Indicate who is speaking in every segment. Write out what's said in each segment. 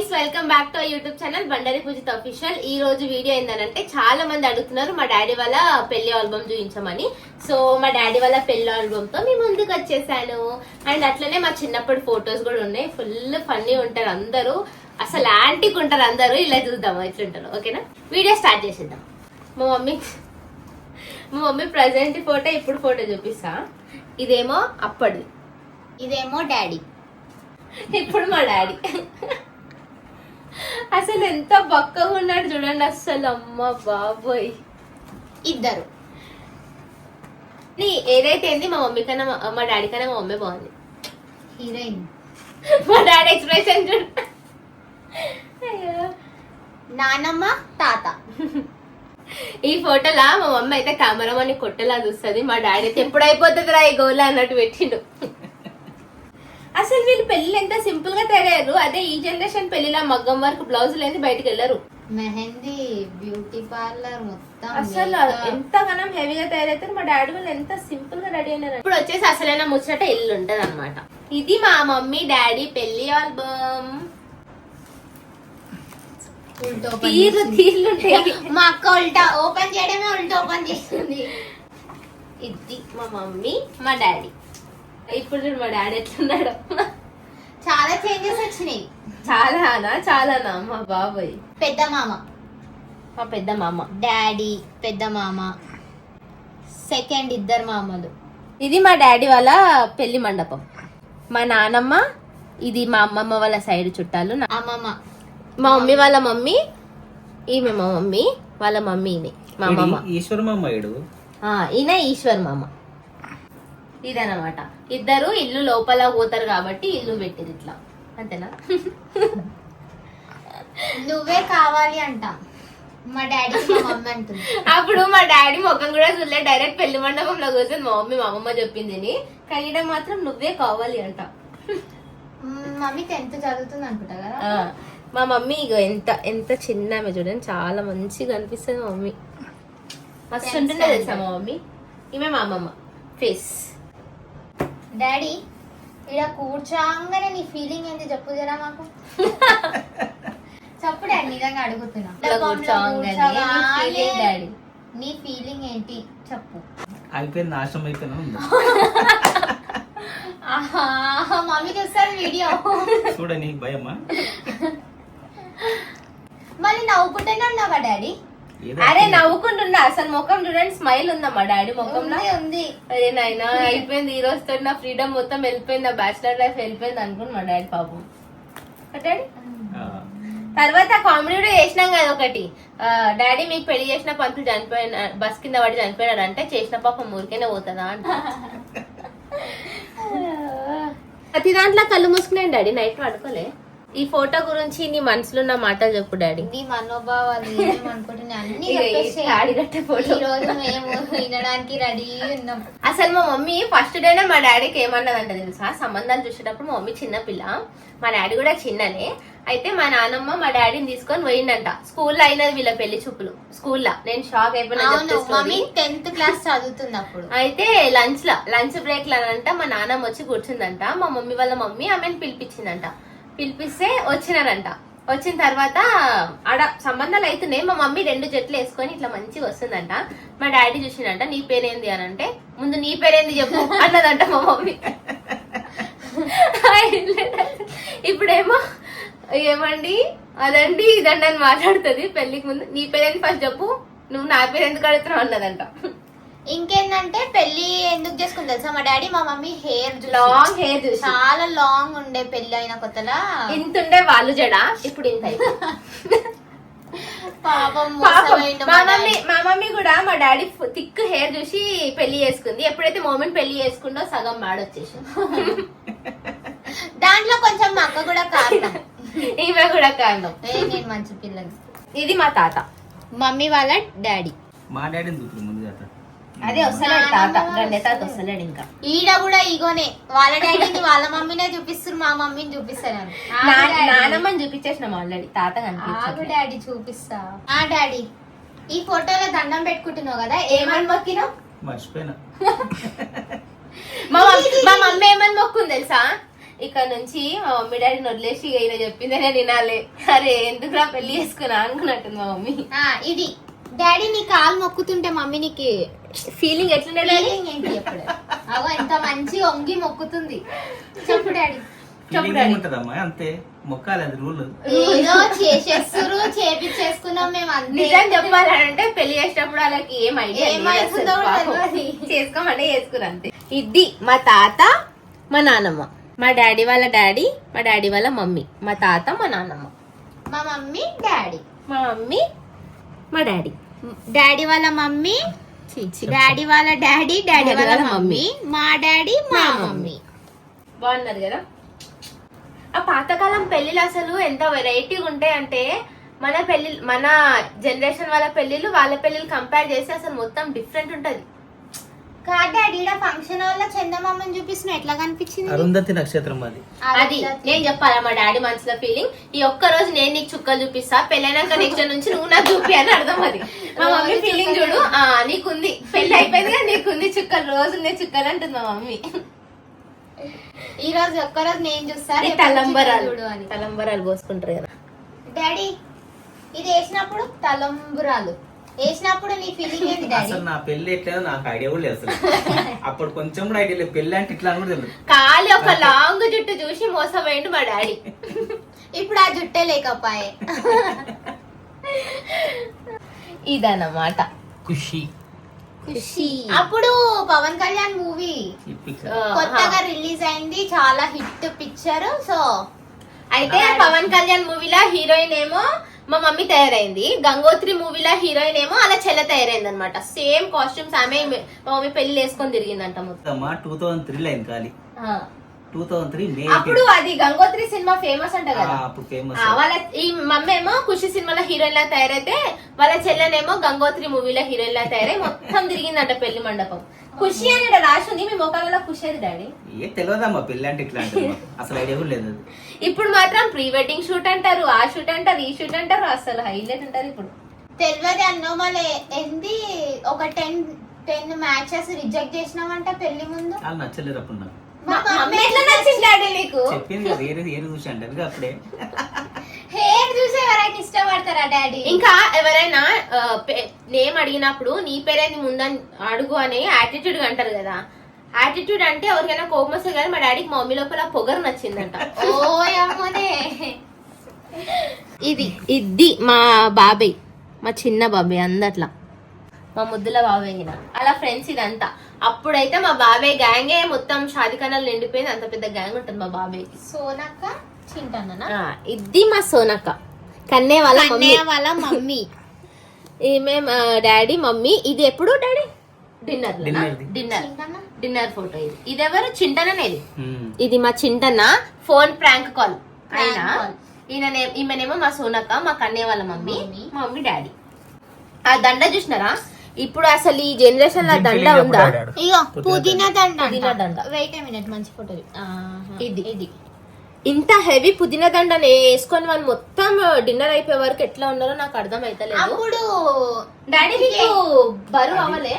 Speaker 1: Guys, welcome back to our YouTube channel Bandari Poojitha official. ఈ రోజు video ఏంటంటే చాలా మంది అడుగుతున్నారు మా డాడీ వాళ్ళ పెళ్లి ఆల్బమ్ చూపించమని. సో మా డాడీ వాళ్ళ పెళ్లి ఆల్బమ్ తో మీ ముందుకు వచ్చేసాను. అండ్ అట్లనే మా చిన్నప్పటి ఫొటోస్ కూడా ఉన్నాయి. ఫుల్ ఫన్నీ ఉంటారు అందరూ, అసలు యాంటిక్ ఉంటారు అందరూ. ఇలా చూద్దాము ఎట్లుంటారు. ఓకేనా, వీడియో స్టార్ట్ చేసేద్దాం. మా మమ్మీ ప్రజెంట్ ఫోటో, ఇప్పుడు ఫోటో చూపిస్తా. ఇదేమో అప్పటిది,
Speaker 2: ఇదేమో డాడీ,
Speaker 1: ఇప్పుడు మా డాడీ. అసలు ఎంత బక్కగా ఉన్నాడు చూడండి అసలు. అమ్మ బాబోయ్,
Speaker 2: ఇద్దరు.
Speaker 1: ఏదైతే ఏంది మా మమ్మీ కన్నా మా డాడీ కన్నా మా మమ్మీ బాగుంది.
Speaker 2: హీరోయిన్.
Speaker 1: మా డాడీ ఎక్స్ప్రెషన్ చూడ.
Speaker 2: నానమ్మ, తాత.
Speaker 1: ఈ ఫోటోలా మా మమ్మీ అయితే కెమెరామని కొట్టేలా చూస్తుంది. మా డాడీ అయితే ఎప్పుడు అయిపోతుంది రా ఈ గోలా అన్నట్టు పెట్టిండు. అసలు వీళ్ళు పెళ్లి ఎంత సింపుల్ గా తయారయ్యారు. అదే ఈ జనరేషన్ పెళ్లిలా మగ్గం వర్క్ బ్లౌజ్ లేని బయటకు వెళ్ళరు.
Speaker 2: మెహందీ, బ్యూటీ పార్లర్ మొత్తం
Speaker 1: అసలు ఎంతగానో హెవీగా తయారైతారు. మా డాడీ వాళ్ళు ఎంత సింపుల్ గా రెడీ అయినారు. ఇప్పుడు వచ్చేసి అసలైన ముచ్చట ఇల్లు ఉంటది అనమాట. ఇది మా మమ్మీ డాడీ పెళ్లి ఆల్బమ్. తీర్లు ఉంటాయి.
Speaker 2: మా అక్క ఉల్టా ఓపెన్ చేయడమే ఉల్టా ఓపెన్ చేస్తుంది.
Speaker 1: ఇది మా మమ్మీ మా డాడీ. ఇప్పుడు చూడు మా డాడీ ఎట్లున్నాడు.
Speaker 2: చాలా చేంజెస్ వచ్చినాయి.
Speaker 1: చాలానా మా బాబాయ్.
Speaker 2: పెద్ద మామ,
Speaker 1: మా పెద్ద మామ,
Speaker 2: డాడీ, పెద్ద మామ, సెకండ్ ఇద్దరు మామలు.
Speaker 1: ఇది మా డాడీ వాళ్ళ పెళ్లి మండపం. మా నానమ్మ, ఇది మా అమ్మమ్మ వాళ్ళ సైడ్ చుట్టాలు.
Speaker 2: అమ్మమ్మ,
Speaker 1: మా మమ్మీ వాళ్ళ మమ్మీ, ఈమె మా మమ్మీ వాళ్ళ మమ్మీని మా అమ్మమ్మ.
Speaker 3: ఈశ్వర్ మామ
Speaker 1: ఈయన ఈశ్వర్ మామ. ఇదనమాట. ఇద్దరు ఇల్లు లోపల పోతారు కాబట్టి ఇల్లు పెట్టిరు ఇట్లా. అంతేనా?
Speaker 2: నువ్వే కావాలి అంట మా డాడీ, మా మమ్మీ అంటుంది.
Speaker 1: అప్పుడు మా డాడీ ముఖం కూడా చూడలే, డైరెక్ట్ పెళ్లి మండపంలో కూర్చొని మా మమ్మీ మా అమ్మమ్మ చెప్పింది కనీడం మాత్రం నువ్వే కావాలి అంట.
Speaker 2: మమ్మీ 10th చదువుతుంది అనుకుంటా కదా.
Speaker 1: మా మమ్మీ ఇగో ఎంత చిన్న ఆమె చూడండి, చాలా మంచిగా అనిపిస్తుంది మా మమ్మీ. మస్తు ఉంటుండే తెలుసా మా మమ్మీ. ఈమె మా అమ్మమ్మ ఫేస్.
Speaker 2: డాడీ, ఇలా కూర్చోగానే నీ ఫీలింగ్ ఏంటి చెప్పు జరా మాకు. చెప్పు డాడీ, నిజంగా అడుగుతున్నా.
Speaker 1: డాడీ
Speaker 2: నీ ఫీలింగ్ ఏంటి చెప్పు.
Speaker 3: అయిపోయింది, నాశనం అయిపోయినా.
Speaker 2: మమ్మీ చూస్తారు వీడియో.
Speaker 3: చూడ, నీకు భయమా?
Speaker 2: మళ్ళీ నవ్వుకుంటూనే ఉన్నావా డాడీ?
Speaker 1: అరే నవ్వుకుంటున్నా, అసలు ముఖం చూడండి, స్మైల్ ఉందా మా డాడీ ముఖంలో.
Speaker 2: ఉంది.
Speaker 1: అరే నాయనా, అయిపోయింది ఈ రోజుతో నా ఫ్రీడమ్ మొత్తం వెళ్ళిపోయింది, నా బ్యాచిలర్ లైఫ్ వెళ్ళిపోయింది అనుకుని మా డాడీ పాపం. డాడీ తర్వాత కామెడీ కూడా చేసినాం కదా ఒకటి. డాడీ మీకు పెళ్లి చేసిన పంతులు చనిపోయిన, బస్ కింద పడి చనిపోయినాడు అంటే చేసిన పాపం ఊరికేనే పోతుందా అంట. ప్రతి దాంట్లో కళ్ళు మూసుకున్నాను డాడీ, నైట్ పడుకోలే. ఈ ఫోటో గురించి నీ మనసులో ఉన్న మాటలు చెప్పు డాడీ.
Speaker 2: నీ మనోభావాలు ఏమనుకుంటున్నా అన్ని ఈ రోజు మేము వినడానికి రెడీ ఉన్నాం.
Speaker 1: అసలు మా మమ్మీ ఫస్ట్ డేనే మా డాడీకి ఏమన్నదంట తెలుసా? సంబంధాలు చూసేటప్పుడు మా మమ్మీ చిన్నపిల్ల, మా డాడీ కూడా చిన్ననే. అయితే మా నాన్నమ్మ మా డాడీని తీసుకొని పోయిందంట. స్కూల్లో అయినది వీళ్ళ పెళ్లి చూపులు. స్కూల్లో నేను షాక్ అయిపోయినా.
Speaker 2: 10th క్లాస్ చదువుతున్నప్పుడు అయితే
Speaker 1: లంచ్ బ్రేక్ లానంట మా నాన్నమ్మ వచ్చి కూర్చుందంట. మా మమ్మీ వాళ్ళ మమ్మీ ఆమెను పిలిపించిందంట. పిలిపిస్తే వచ్చినారంట. వచ్చిన తర్వాత ఆడ సంబంధాలు అవుతున్నాయి. మా మమ్మీ 2 జట్లు వేసుకొని ఇట్లా మంచిగా వస్తుందంట. మా డాడీ చూసిందంట. నీ పేరేంది అని అంటే, ముందు నీ పేరేంది చెప్పు అన్నదంట మా మమ్మీ. ఇప్పుడేమో ఏమండి అదండి ఇదండి అని మాట్లాడుతుంది. పెళ్లికి ముందు నీ పేరేంది ఫస్ట్ చెప్పు, నువ్వు నా పేరు ఎందుకు అడుగుతున్నావు అన్నదంట.
Speaker 2: ఇంకేందంటే పెళ్లి ఎందుకు చేసుకుంది తెలుసా? మా డాడీ మా మమ్మీ
Speaker 1: లాంగ్ హెయిర్ చూసి
Speaker 2: చాలా లాంగ్ ఉండే. పెళ్లి అయిన కొత్తలా
Speaker 1: ఇంత ఉండే వాళ్ళు జడ, ఇప్పుడు ఇంత.
Speaker 2: పాపం
Speaker 1: మా మమ్మీ కూడా మా డాడీ థిక్ హెయిర్ చూసి పెళ్లి చేసుకుంది. ఎప్పుడైతే మోమెంట్ పెళ్లి చేసుకుందో సగం మాడొచ్చేసి
Speaker 2: దాంట్లో కొంచెం మా అక్క కూడా కారణం.
Speaker 1: ఈమె కూడా కారణం.
Speaker 2: నేను మంచి పిల్లలు.
Speaker 1: ఇది మా తాత,
Speaker 2: మమ్మీ వాళ్ళ డాడీ.
Speaker 3: మా డాడీని చూపుతుంది ముందు చేత.
Speaker 1: అదే వస్తలేడు తాత, గండే తాత వస్తలేడు ఇంకా.
Speaker 2: ఈడ కూడా ఈగోనే, వాళ్ళ డాడీని వాళ్ళ మమ్మీనే చూపిస్తారు, మా మమ్మీని చూపిస్తారు.
Speaker 1: నానమ్మని చూపించేసినాం ఆల్రెడీ, తాత కనిపించాడు.
Speaker 2: డాడీ చూపిస్తా. డాడీ ఈ ఫోటోలో దండం పెట్టుకుంటున్నావు కదా,
Speaker 1: ఏమని మొక్కినావు?
Speaker 3: మర్చిపోయినా.
Speaker 1: మా మమ్మీ ఏమని మొక్కుంది తెలుసా? ఇక్కడ నుంచి మా మమ్మీ డాడీని వదిలేసి ఈయన చెప్పిందే నేను వినాలి. అరే ఎందుకురా పెళ్లి చేసుకున్నా అనుకున్నట్టుంది మా మమ్మీ.
Speaker 2: ఇది డాడీ నీ కాలు మొక్కుతుంటే మమ్మీ నీకు
Speaker 1: ఫీలింగ్ ఎట్లుండే
Speaker 2: feeling ఏంటి ఎప్పుడు అగో ఎంత మంచి వంగి మొక్కుతుంది. చెప్పు డాడీ.
Speaker 3: ఫీలింగ్ ఉంటదమ్మా, అంతే మొక్కాలి, అది రూల్.
Speaker 2: ఏదో చేసేస్తురు చేపించేసుకున్నాం మేము అంతే.
Speaker 1: నిజం చెప్పాలంటే పెళ్లి చేసేటప్పుడు వాళ్ళకి ఏం ఐడియా
Speaker 2: ఏమైతుందో కూడా తెలియదు.
Speaker 1: చేసుకోమంటే చేసుకురు అంతే. ఇది మా తాత మా నాన్నమ్మ, మా డాడీ వాళ్ళ డాడీ, మా డాడీ వాళ్ళ మమ్మీ, మా తాత మా నాన్నమ్మ,
Speaker 2: మా మమ్మీ డాడీ,
Speaker 1: మా మమ్మీ మా డాడీ,
Speaker 2: డాడీ వాళ్ళ మమ్మీ, డాడీ వాళ్ళ డాడీ, డాడీ వాళ్ళ మమ్మీ, మా డాడీ మా మమ్మీ.
Speaker 1: బాగున్నారు కదా. ఆ పాతకాలం పెళ్లిళ్ళు అసలు ఎంత వెరైటీగా ఉంటాయి అంటే మన జనరేషన్ వాళ్ళ పెళ్లిళ్ళు వాళ్ళ పెళ్లిళ్ళు కంపేర్ చేస్తే అసలు మొత్తం డిఫరెంట్ ఉంటది.
Speaker 2: కాదు డాడీ, ఈడ ఫంక్షన్ వల్ల చందమామని చూపిస్తున్నా ఎట్లా కనిపించింది?
Speaker 3: అరుంధతి నక్షత్రం అది.
Speaker 1: అది నేను చెప్పాలా మా డాడీ మనసులో ఫీలింగ్. ఈ ఒక్క రోజు నేను నీకు చుక్కలు చూపిస్తా, పెళ్ళైనాక నెక్స్ట్ నుంచి నువ్వు నాకు చూపి అని అర్థం. అది మా మమ్మీ ఫీలింగ్ చూడు. నీకుంది పెళ్లి అయిపోయింది కదా, నీకుంది చుక్కలు, రోజు ఉన్నాయి చుక్కలు అంటుంది మా మమ్మీ.
Speaker 2: ఈ రోజు ఒక్కరోజు నేను చూస్తాను
Speaker 1: తలంబరాలు పోసుకుంటారు కదా
Speaker 2: డాడీ. ఇది వేసినప్పుడు తలంబరాలు వేసినప్పుడు నీ ఫీలింగ్ ఏంటి డాడీ?
Speaker 3: అసలు నా పెళ్లి ఎట్లేదో నాకు ఐడియా కూడా లేదు అసలు. అప్పుడు కొంచెం కూడా ఐడియా లేదు, పెళ్లి అంటే ఇట్లా అని కూడా తెలియదు.
Speaker 1: ఖాళీ ఒక లాంగ్ జుట్టు చూసి మోసపోయిండు మా డాడీ.
Speaker 2: ఇప్పుడు ఆ జుట్టే లేకపోయే.
Speaker 1: ఇదన్నమాట
Speaker 3: ఖుషి.
Speaker 2: అప్పుడు పవన్ కళ్యాణ్ మూవీ కొత్తగా రిలీజ్ అయింది, చాలా హిట్ పిక్చర్. సో
Speaker 1: అయితే పవన్ కళ్యాణ్ మూవీలో హీరోయిన్ ఏమో మా మమ్మీ తయారైంది, గంగోత్రి మూవీలో హీరోయిన్ ఏమో అలా చెల్ల తయారైంది అనమాట. సేమ్ కాస్ట్యూమ్స్ ఆమె మా మమ్మీ పెళ్లి వేసుకొని తిరిగిందంట మొత్తం.
Speaker 3: 2003 అయింది ఖాళీ. 2003 మే.
Speaker 1: అప్పుడు అది గంగోత్రి సినిమా ఫేమస్ అంట కదా.
Speaker 3: అప్పుడు ఫేమస్.
Speaker 1: వాళ్ళ ఈ మమ్మీ ఏమో ఖుషి సినిమాలో హీరోయిన్ లా తయారైతే వాళ్ళ చెల్లెనేమో గంగోత్రి మూవీలో హీరోయిన్ లా తయారై మొత్తం తిరిగిందంట పెళ్లి మండపం. ఖుషి అని రాసింది, మీ మొక్కలలో ఖుషి అది డాడీ.
Speaker 3: ఏ తెలియదమ్మా పెళ్లి అంటే ఇట్లా అంటే అసలు ఐడియా కూడా లేదు.
Speaker 1: ఇప్పుడు మాత్రం ప్రీ వెడ్డింగ్ షూట్ అంటారు, ఆ షూట్ అంటారు, ఈ షూట్ అంటారు, అసలు హైలైట్ అంటారు. ఇప్పుడు
Speaker 2: తెలియదు అన్నో మళ్ళీ ఏంది ఒక 10 మ్యాచెస్ రిజెక్ట్ చేసినామంట పెళ్లి ముందు.
Speaker 3: వాళ్ళు నచ్చలేరు అప్పుడు నాకు.
Speaker 1: ఎట్లా నచ్చింది డాడీ నీకు?
Speaker 3: చెప్పింది కదా ఏరు చూసి అంటే అప్పుడే.
Speaker 2: హెయిర్ చూసి ఎవరైనా ఇష్టపడతారా డాడీ?
Speaker 1: ఇంకా ఎవరైనా నేమ్ అడిగినప్పుడు నీ పేరేంది ముందని అడుగు అని యాటిట్యూడ్ అంటారు కదా. యాటిట్యూడ్ అంటే ఎవరికైనా కోపం వస్తుంది కానీ మా డాడీకి మా మమ్మీ లోపల పొగరు నచ్చిందంట. ఇది మా బాబాయ్, మా చిన్న బాబాయ్ అందట్లా మా ముద్దుల బాబాయ్ అలా ఫ్రెండ్స్ ఇదంతా. అప్పుడైతే మా బాబాయ్ గ్యాంగే మొత్తం షాదిఖానాలు నిండిపోయింది, అంత పెద్ద గ్యాంగ్ ఉంటుంది మా బాబాయ్.
Speaker 2: సోనక్క చింటన్నా.
Speaker 1: ఇది మా సోనక్క, కన్నే వాళ్ళ మమ్మీ. ఈమె డాడీ మమ్మీ. ఇది ఎప్పుడు డాడీ డిన్నర్ ఫోటో. ఇది ఎవరు చింటననేది. ఇది మా చింటన్న ఫోన్ ప్రాంక్ కాల్ అయినా. ఈమెనేమో మా సోనక్క, మా కన్నే వాళ్ళ మమ్మీ, మా మమ్మీ డాడీ. ఆ దండ చూసినారా? ఇప్పుడు అసలు ఈ జనరేషన్ లో దండ ఉందా?
Speaker 2: ఇగో పుదీనా దండ. వెయిట్ ఏ మినిట్, మంచి ఫోటో
Speaker 1: ఇది ఇంత హెవీ పుదీనా దండ వేసుకొని వాళ్ళు మొత్తం డిన్నర్ అయిపోయే వరకు ఎట్లా ఉన్నారో నాకు అర్థం అయితలేదు.
Speaker 2: అప్పుడు
Speaker 1: డాడీ బరువు అవ్వలే,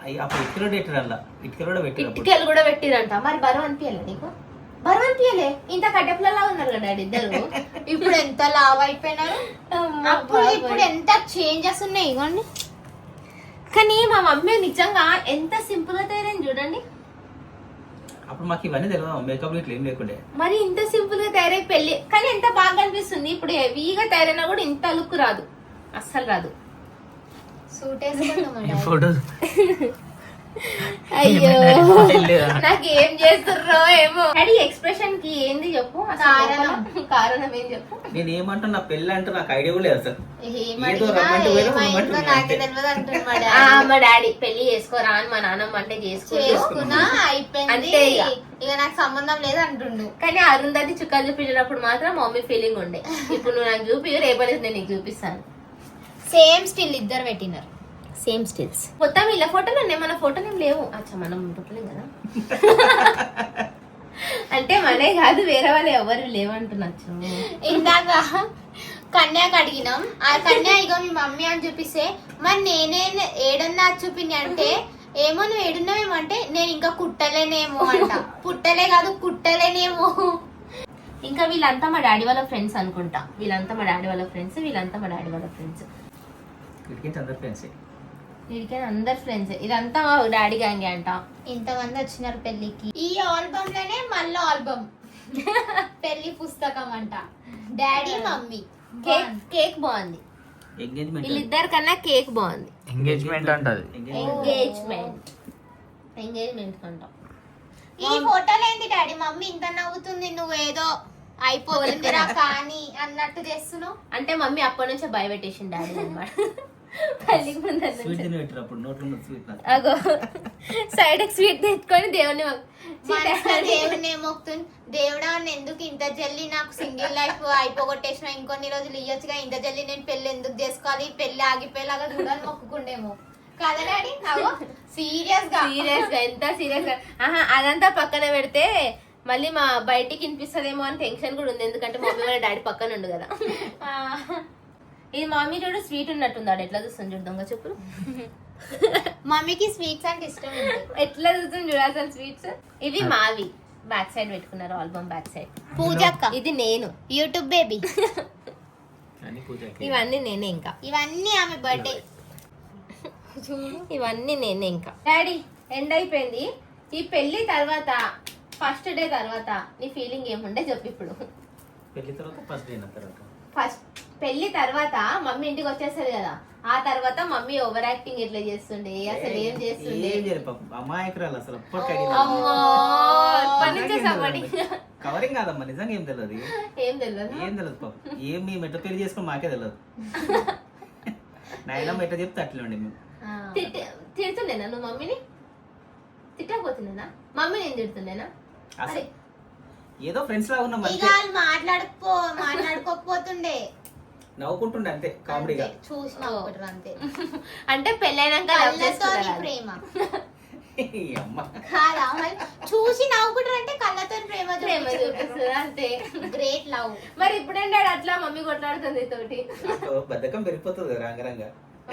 Speaker 1: ఇటుకలు కూడా పెట్టిరంట. మరి బరువు అనిపించలే నీకు? బరువు అనిపించలే, ఇంత కట్టెపులలా ఉన్నారు కదా డాడీ ఇద్దరు.
Speaker 2: ఇప్పుడు ఎంత లావ్ అయిపోయినారు, ఇప్పుడు ఎంత చేంజెస్ ఉన్నాయి ఇవ్వండి.
Speaker 1: కానీ మా మమ్మీ నిజంగా ఎంత సింపుల్ గా తయారైంది చూడండి.
Speaker 3: అప్పుడు మాకు ఇవన్నీ తెలియదు, మేకప్ ఇట్లా ఏం లేకుండే. మరి
Speaker 1: ఇంత సింపుల్ గా తయారై పెళ్లి కానీ ఎంత బాగా అనిపిస్తుంది. ఇప్పుడు హెవీగా తయారైనా కూడా ఇంత లుక్ రాదు, అస్సలు రాదు.
Speaker 2: సూట్ వేసుకుందాం
Speaker 3: ఫోటోస్.
Speaker 1: అయ్యో నాకేం చేస్తుర్రో ఏమో. డాడీ ఎక్స్ప్రెషన్ కి ఏంది చెప్పు, కారణం ఏం చెప్పు.
Speaker 3: నేను ఏమంటా, నా పెళ్ళి అంటే నాకు ఐడియా కూడా లేదు అసలు.
Speaker 1: మా డాడీ పెళ్లి చేసుకోరా అని మా నాన్నమ్మ అంటే
Speaker 2: చేసుకున్నా అయిపోయింది, ఇక నాకు సంబంధం లేదు అంటుండు.
Speaker 1: కానీ అరుంధతి చుక్కలు చూపించినప్పుడు మాత్రం మమ్మీ ఫీలింగ్ ఉండే. ఇప్పుడు నువ్వు నాకు చూపి, రేపటి నేను నీకు చూపిస్తాను.
Speaker 2: సేమ్ స్టిల్ ఇద్దరు పెట్టినారు,
Speaker 1: సేమ్ స్టిల్స్. మొత్తం ఇలా ఫోటోలు ఉన్నాయి, మన ఫోటోలు ఏం లేవు. అచ్చా మనం పుట్టలేం కదా. అంటే మనే కాదు, వేరే వాళ్ళు ఎవరు లేవంటున్నచ్చు.
Speaker 2: ఇందాక కన్యాకి అడిగినాం, ఆ కన్యా ఇగో మీ మమ్మీ అని చూపిస్తే మరి నేనే ఏడన్నా చూపింది అంటే ఏమో నువ్వు ఏడున్నావేమో అంటే నేను ఇంకా కుట్టలేనేమో అంట. పుట్టలే కాదు కుట్టలేనేమో.
Speaker 1: ఇంకా వీళ్ళంతా మా డాడీ వాళ్ళ ఫ్రెండ్స్ అనుకుంటా. వీళ్ళంతా మా డాడీ వాళ్ళ ఫ్రెండ్స్.
Speaker 3: వీడికి అందరు ఫ్రెండ్స్.
Speaker 1: వీడికి అందరు ఫ్రెండ్స్. ఇదంతా మా డాడీ గ్యాంగే అంట.
Speaker 2: ఇంతమంది వచ్చినారు పెళ్లికి. ఈ ఆల్బమ్ లోనే మళ్ళీ ఆల్బమ్ పెళ్లి పుస్తకం అంట. Daddy mummy.
Speaker 1: కేక్ బాగుంది.
Speaker 3: ఎంగేజ్మెంట్
Speaker 1: వీళ్ళిద్దరి కన్నా కేక్ బాగుంది.
Speaker 4: ఎంగేజ్మెంట్ అంటది.
Speaker 1: ఎంగేజ్మెంట్ అంటాం.
Speaker 2: ఈ ఫోటోలో ఏంది డాడీ మమ్మీ ఇంత నవ్వుతుంది, నువ్వేదో అయిపోతుందిరా కానీ అన్నట్టు చేస్తున్నావు.
Speaker 1: అంటే మమ్మీ అప్పటి నుంచే భయపెట్టేసింది డాడీ అన్నమాట. పెళ్లికి ముందు
Speaker 3: స్వీట్ తిని పెట్టారు అప్పుడు నోట్లో ఉన్న స్వీట్ నాకు.
Speaker 1: అగో సైడ్ స్వీట్ తెచ్చుకొని దేవుని
Speaker 2: మనసులో దేవుడిని ఏమొక్తుంది, దేవుడా ఎందుకు ఇంత జల్లి నాకు సింగిల్ లైఫ్ అయిపోగొట్టేసిన, ఇంకొన్ని రోజులు ఇయ్యొచ్చుగా, ఇంత జల్లి నేను పెళ్లి ఎందుకు చేసుకోవాలి, పెళ్లి ఆగిపోయేలాగా చూడాలి మొక్కుకుండేమో కదా డాడీ. సీరియస్ గా
Speaker 1: ఎంత సీరియస్ గా. అదంతా పక్కన పెడితే మళ్ళీ మా బయటికి వినిపిస్తుందేమో అని టెన్షన్ కూడా ఉంది. ఎందుకంటే మమ్మీ వాళ్ళ డాడీ పక్కన ఉండు కదా. ఇది మమ్మీ చూడు స్వీట్ ఉన్నట్టుంది. ఆడ ఎట్లా చూస్తుంది చూడు దొంగ చెప్పులు.
Speaker 2: మమ్మీకి స్వీట్స్ అంటే ఇష్టం ఉంది.
Speaker 1: ఎట్లా చూస్తుంది చూడు అసలు స్వీట్స్. ఇవి మావి బ్యాక్ సైడ్ పెట్టుకున్నారు ఆల్బమ్ బ్యాక్ సైడ్.
Speaker 2: పూజక్క
Speaker 1: ఇది నేను
Speaker 2: యూట్యూబ్ బేబీ.
Speaker 3: అని పూజకి.
Speaker 1: ఇవన్నీ నేనే ఇంకా.
Speaker 2: ఇవన్నీ ఆమె బర్త్డే.
Speaker 1: ఇవన్నీ నేనే ఇంకా. డాడీ ఎండ్ అయిపోయింది. ఈ పెళ్లి తర్వాత ఫస్ట్ డే తర్వాత నీ ఫీలింగ్ ఏముండే చెప్పు ఇప్పుడు.
Speaker 3: పెళ్లి తర్వాత ఫస్ట్ డే తర్వాత
Speaker 1: ఫస్ట్ పెళ్లి తర్వాత మమ్మీ ఇంటికి వచ్చేస్తుంది కదా, ఆ తర్వాత మమ్మీ ఓవర్ యాక్టింగ్ ఎట్లా చేస్తుండే, అసలు ఏం చేస్తుండే.
Speaker 3: ఏం చేయలేదు పాపం. అమాయకురాలు అసలు అప్పటికి
Speaker 1: అమ్మో ఎప్పటి నుంచో సపోర్ట్.
Speaker 3: కవరింగ్ కాదమ్మా, నిజంగా ఏం తెలియదు.
Speaker 1: ఏం తెలియదు.
Speaker 3: ఏం తెలియదు పాపం. ఏం మేము ఎట్లా పెళ్లి చేసుకుని మాకే తెలియదు. నాయనమ్మ ఎట్లా చెప్తే అట్లా ఉండే మేము.
Speaker 1: తిడుతుండేనా నువ్వు మమ్మీని? తిట్టకపోతుండేనా మమ్మీ? నేను తిడుతుండేనా?
Speaker 3: అసలు ఏదో ఫ్రెండ్స్ లాగా ఉన్నాం
Speaker 2: ఇక వాళ్ళు మాట్లాడుకోకపోతుండే,
Speaker 3: నవ్వుకుంటుండే అంతే కామెడీగా.
Speaker 2: చూసి నవ్వుకుంటారు అంతే.
Speaker 1: అంటే పెళ్ళైనాక love చేసుకున్నారా?
Speaker 2: ప్రేమ
Speaker 3: ఈ అమ్మ
Speaker 2: కాదా మరి? చూసి నవ్వుకుంటారు అంటే కళ్ళతో ప్రేమ
Speaker 1: చూపిస్తుందా? అంతే.
Speaker 2: Great love.
Speaker 1: మరి ఇప్పుడంటే అట్లా మమ్మీ కొట్లాడుతుంది తోటి.
Speaker 3: నాకు బద్ధకం పెరిగిపోతుంది కదా రంగరంగా.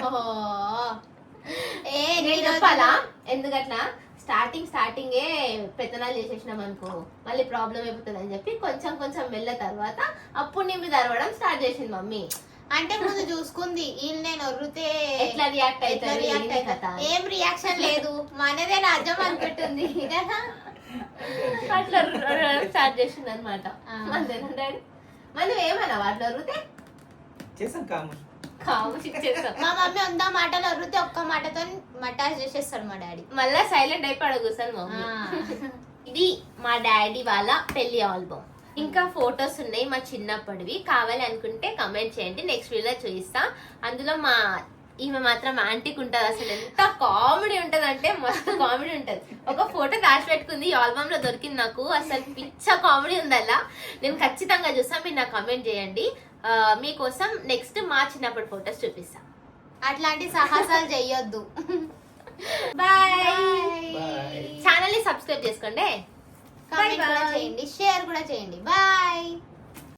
Speaker 1: నేను చెప్పాలా ఎందుకట్లా? స్టార్టింగే పెత్తనాలు చేసేసినాం అనుకో మళ్ళీ ప్రాబ్లం అయిపోతుంది అని చెప్పి కొంచెం కొంచెం వెళ్ళ తర్వాత అప్పుడు నీ మీద అరవడం స్టార్ట్ చేసింది మమ్మీ.
Speaker 2: అంటే ముందు చూసుకుంది వీళ్ళు నేను ఒర్రితే
Speaker 1: ఎట్లా రియాక్ట్ అవుతారు.
Speaker 2: ఏం రియాక్షన్ లేదు, మనదే రాజ్యం అనుకుంటుంది కదా.
Speaker 1: అట్లా స్టార్ట్ చేసింది అనమాట. అంతేనా డాడీ? మనం ఏమన్నావు అట్లా ఒర్రితే?
Speaker 3: చేసాం కాము.
Speaker 2: మా మమ్మీ వంద మాటలు ఒర్రితే ఒక్క మాటతో మటాజ్ చేసేస్తాడు మా డాడీ.
Speaker 1: మళ్ళా సైలెంట్ అయిపోయి కూర్చొని మమ్మీ. ఇది మా డాడీ వాళ్ళ పెళ్లి ఆల్బమ్. ఇంకా ఫొటోస్ ఉన్నాయి మా చిన్నప్పటివి. కావాలి అనుకుంటే కమెంట్ చేయండి, నెక్స్ట్ వీడియోలో చూపిస్తా. అందులో మా ఈమె మాత్రం యాంటిక్ ఉంటది. అసలు ఎంత కామెడీ ఉంటది అంటే మస్తు కామెడీ ఉంటది. ఒక ఫోటో దాచి పెట్టుకుంది, ఈ ఆల్బమ్ లో దొరికింది నాకు. అసలు పిచ్చ కామెడీ ఉందల్లా. నేను ఖచ్చితంగా చూస్తాను, మీరు నాకు కమెంట్ చేయండి. మీకోసం నెక్స్ట్ మా చిన్నప్పటి ఫొటోస్ చూపిస్తా.
Speaker 2: అట్లాంటి సాహసాలు చెయ్యొద్దు.
Speaker 1: బాయ్. ఛానల్ ని సబ్స్క్రైబ్ చేసుకోండి,
Speaker 2: కామెంట్ కూడా చేయండి, షేర్ కూడా చేయండి. బాయ్.